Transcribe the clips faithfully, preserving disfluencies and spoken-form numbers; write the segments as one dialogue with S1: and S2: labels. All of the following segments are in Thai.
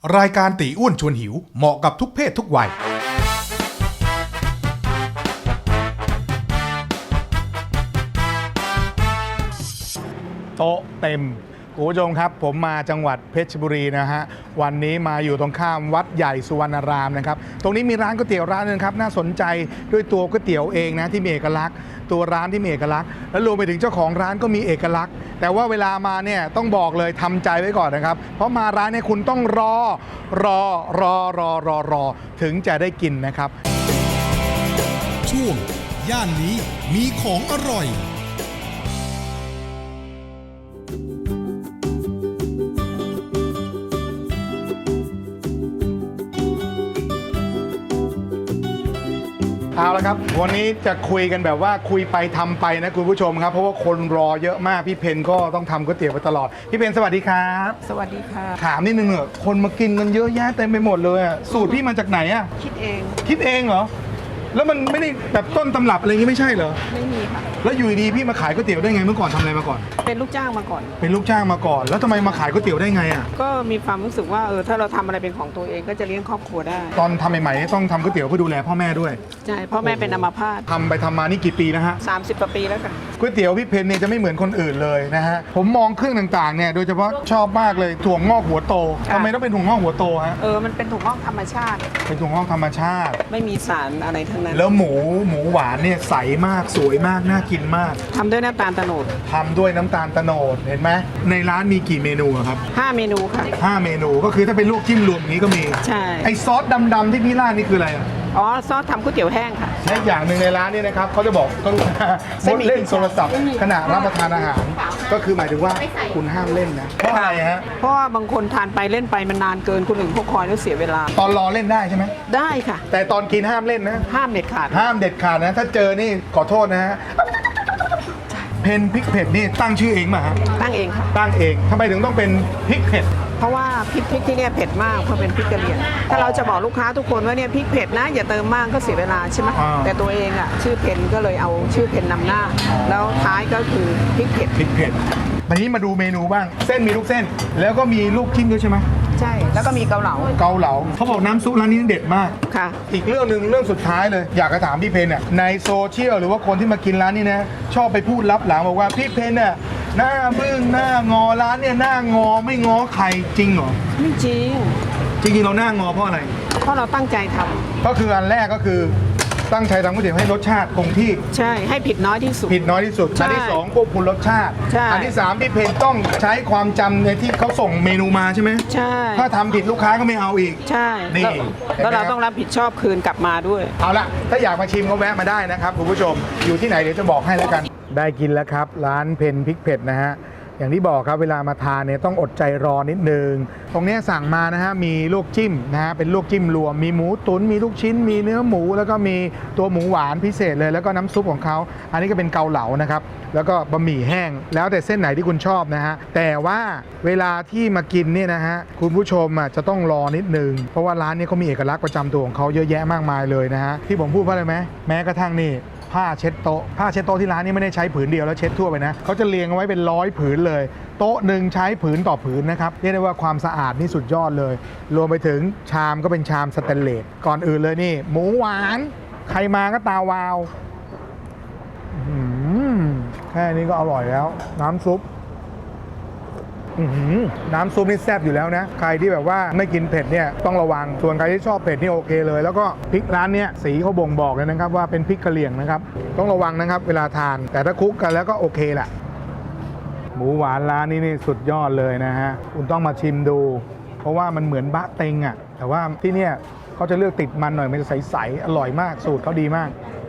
S1: รายการตีอ้วนชวนหิวเหมาะกับทุกเพศทุกวัยโต๊ะเต็มคุณผู้ชมครับผมมาจังหวัดเพชรบุรีนะฮะวันนี้มาอยู่ตรงข้ามวัดใหญ่สุวรรณารามนะครับตรงนี้มีร้านก๋วยเตี๋ยวร้านนึงครับน่าสนใจด้วยตัวก๋วยเตี๋ยวเองนะที่มีเอกลักษณ์ตัวร้านที่มีเอกลักษณ์แล้วรวมไปถึงเจ้าของร้านก็มีเอกลักษณ์แต่ว่าเวลามาเนี่ยต้องบอกเลยทำใจไว้ก่อนนะครับเพราะมาร้านเนี่ยคุณต้องรอรอรอรอรอรอถึงจะได้กินนะครับ
S2: ช่วงย่านนี้มีของอร่อย
S1: เอาละครับวันนี้จะคุยกันแบบว่าคุยไปทำไปนะคุณผู้ชมครับเพราะว่าคนรอเยอะมากพี่เพนก็ต้องทำก๋วยเตี๋ยวไปตลอดพี่เพนสวัสดีครับ
S3: สวัสดีค่ะ
S1: ถามนิดนึงเหรอคนมากินกันเยอะแยะเต็มไปหมดเลยอะสูตรพี่มาจากไหนอะ
S3: คิดเอง
S1: คิดเองเหรอแล้วมันไม่ได้แบบต้นตำรับอะไรอย่างงี้ไม่ใช่เหรอ
S3: ไม่มีค่ะ
S1: แล้วอยู่ดีพี่มาขายก๋วยเตี๋ยวได้ไงเมื่อก่อนทำอะไรมาก่อน
S3: เป็นลูกจ้างมาก่อน
S1: เป็นลูกจ้างมาก่อนแล้วทำไมมาขายก๋วยเตี๋ยวได้ไงอะ
S3: ก็มีความรู้สึกว่าเออถ้าเราทำอะไรเป็นของตัวเองก็จะเลี้ยงครอบครัวได้
S1: ตอนทำใหม่ๆต้องทำก๋วยเตี๋ยวเพื่อดูแลพ่อแม่ด้วย
S3: ใช่พ่อแม่เป็นอัมพาต
S1: ทำไปทำมานี่กี่ปีแล้วฮะ
S3: สามสิบกว่าปีแล้วค่ะ
S1: ก๋วยเตี๋ยวพี่เพนเนี่ยจะไม่เหมือนคนอื่นเลยนะฮะผมมองเครื่องต่างๆเนี่ยโดยเฉพาะชอบมากเลยถั่วงอกหัวโตทำไมต้องเป็นถั่วงอกหัวโตฮะ
S3: เออมันเป็นถั่วงอกธรรมชาติ
S1: เป็นถั่วงอกธรรมชาติ
S3: ไม่มีสารอะไรทั้งนั้น
S1: แล้วหมูหมูหวานเนี่ยใสมากสวยมากน่ากินมาก
S3: ทำด้วยน้ำตาลโตนด
S1: ทำด้วยน้ำตาลโตนดเห็นไหมในร้านมีกี่เมนูครับ
S3: ห้าเมนูค่ะ
S1: ห้าเมนูก็คือถ้าเป็นลวกจิ้มรวมอย่างนี้ก็มี
S3: ใช่
S1: ไอซอสดำๆที่พี่ราดนี่คืออะไรอ่ะ
S3: อ๋อซอสทำก๋วยเตี๋ยวแห้งค่ะ
S1: และอย่างหนึ่งในร้านนี่นะครับเขาจะบอกก็รู้นะงดเล่นโทรศัพท์ขณะรับประทานอาหารก็คือหมายถึงว่าคุณห้ามเล่นนะเพราะอะไรฮะ
S3: เพราะว่าบางคนทานไปเล่นไปมันนานเกินคนอื่นเขาคอยแล้วเสียเวลา
S1: ตอนรอเล่นได้ใช่ไหม
S3: ได้ค่ะ
S1: แต่ตอนกินห้ามเล่นนะ
S3: ห้ามเด็ดขาด
S1: ห้ามเด็ดขาดนะถ้าเจอนี่ขอโทษนะฮะเพนพริกเผ็ดนี่ตั้งชื่อเองมาฮะ
S3: ตั้งเองค่ะ
S1: ตั้งเองทำไมถึงต้องเป็นพริกเผ็ด
S3: เพราะว่าพริกพริกที่เนี่ยเผ็ดมากเพราะเป็นพริกกะเหรี่ยงถ้าเราจะบอกลูกค้าทุกคนว่าเนี่ยพริกเผ็ดนะอย่าเติมมากก็เสียเวลาใช่ไหมแต่ตัวเองอ่ะชื่อเพนก็เลยเอาชื่อเพนนำหน้าแล้วท้ายก็คือพริกเผ็ด
S1: พริกเผ็ดวันนี้มาดูเมนูบ้างเส้นมีลูกเส้นแล้วก็มีลูกชิ้นด้วยใช่ไหม
S3: ใช่แล้วก็มีเกาเหลา
S1: เกาเหลาเขาบอกน้ำซุปร้านนี้เด็ดมาก
S3: ค่ะ
S1: อีกเรื่องหนึ่งเรื่องสุดท้ายเลยอยากจะถามพี่เพนเนี่ยในโซเชียลหรือว่าคนที่มากินร้านนี้นะชอบไปพูดลับหลังบอกว่าพี่เพนเนี่ยหน้าบึ้งหน้างอร้านเนี่ยหน้างอไม่ง้อใครจริงเหรอ
S3: ไม่จริง
S1: จริงๆเราหน้างอเพราะอะไร
S3: เพราะเราตั้งใจทำ
S1: ก็คืออันแรกก็คือตั้งใจทำก๋วยเตี๋ยวให้รสชาติคงที่
S3: ใช่ให้ผิดน้อยที่สุด
S1: ผิดน้อยที่สุดอันที่สองควบคุมรสชาติอันที่สามพี่เพนต้องใช้ความจำในที่เขาส่งเมนูมาใช่ไหม
S3: ใช่
S1: ถ้าทำผิดลูกค้าก็ไม่เอาอีก
S3: ใช่
S1: นี่
S3: แล้วเราต้องรับผิดชอบคืนกลับมาด้วย
S1: เอาละถ้าอยากมาชิมก็แวะมาได้นะครับคุณผู้ชมอยู่ที่ไหนเดี๋ยวจะบอกให้แล้วกันได้กินแล้วครับร้านเพนพริกเผ็ดนะฮะอย่างที่บอกครับเวลามาทานเนี่ยต้องอดใจรอนิดนึงตรงนี้สั่งมานะฮะมีลวกจิ้มนะฮะเป็นลวกจิ้มรวมมีหมูตุ๋นมีลูกชิ้นมีเนื้อหมูแล้วก็มีตัวหมูหวานพิเศษเลยแล้วก็น้ำซุปของเขาอันนี้ก็เป็นเกาเหลานะครับแล้วก็บะหมี่แห้งแล้วแต่เส้นไหนที่คุณชอบนะฮะแต่ว่าเวลาที่มากินเนี่ยนะฮะคุณผู้ชมอ่ะจะต้องรอนิดนึงเพราะว่าร้านนี้เขามีเอกลักษณ์ประจำตัวของเขาเยอะแยะมากมายเลยนะฮะที่ผมพูดเพราะอะไรไหมแม้กระทั่งนี่ผ้าเช็ดโต๊ะผ้าเช็ดโต๊ะที่ร้านนี้ไม่ได้ใช้ผืนเดียวแล้วเช็ดทั่วไปนะเขาจะเรียงเอาไว้เป็นร้อยผืนเลยโต๊ะหนึ่งใช้ผืนต่อผืนนะครับเรียกได้ว่าความสะอาดนี่สุดยอดเลยรวมไปถึงชามก็เป็นชามสแตนเลสก่อนอื่นเลยนี่หมูหวานใครมาก็ตาวาวแค่นี้ก็อร่อยแล้วน้ำซุปน้ำซุปนี่แซ่บอยู่แล้วนะใครที่แบบว่าไม่กินเผ็ดเนี่ยต้องระวังส่วนใครที่ชอบเผ็ดนี่โอเคเลยแล้วก็พริกร้านเนี้ยสีเขาบ่งบอกเลยนะครับว่าเป็นพริกกะเหรี่ยงนะครับต้องระวังนะครับเวลาทานแต่ถ้าคลุกกันแล้วก็โอเคแหละหมูหวานร้านนี้นี่สุดยอดเลยนะฮะคุณต้องมาชิมดูเพราะว่ามันเหมือนบะเต็งอ่ะแต่ว่าที่เนี่ยเขาจะเลือกติดมันหน่อยมันจะใสๆอร่อยมากสูตรเขาดีมาก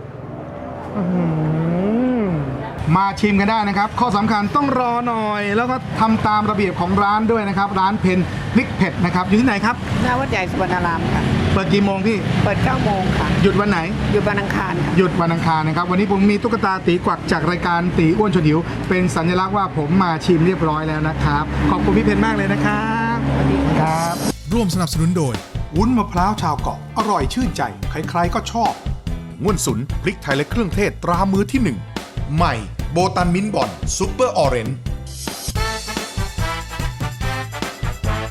S1: มาชิมกันได้นะครับข้อสำคัญต้องรอหน่อยแล้วก็ทำตามระเบียบของร้านด้วยนะครับร้านเพนพริกเผ็ดนะครับอยู่ที่ไหนครับ
S3: หน้าวัดใหญ่สุวรรณารามค่ะ
S1: เปิดกี่โมงพี่
S3: เปิดเก้าโมงค่ะ
S1: หยุดวันไหน
S3: หยุดวันอังคารค่ะ
S1: หยุดวันอังคารนะครับวันนี้ผมมีตุ๊กตาตีกวักจากรายการตีอ้วนชวนหิวเป็นสัญลักษณ์ว่าผมมาชิมเรียบร้อยแล้วนะครับขอบคุณพี่เพนมากเลยนะครับ
S3: สวัสดี
S1: ครับ
S2: ร่วมสนับสนุนโดย
S1: วุ้นมะพร้าวชาวเกาะอร่อยชื่นใจใครๆก็ชอบง่วนสุนพริกไทยและเครื่องเทศตรามือที่หนึ่งใหม่โบตันมิ้นบอนซูเปอร์ออเรนจ์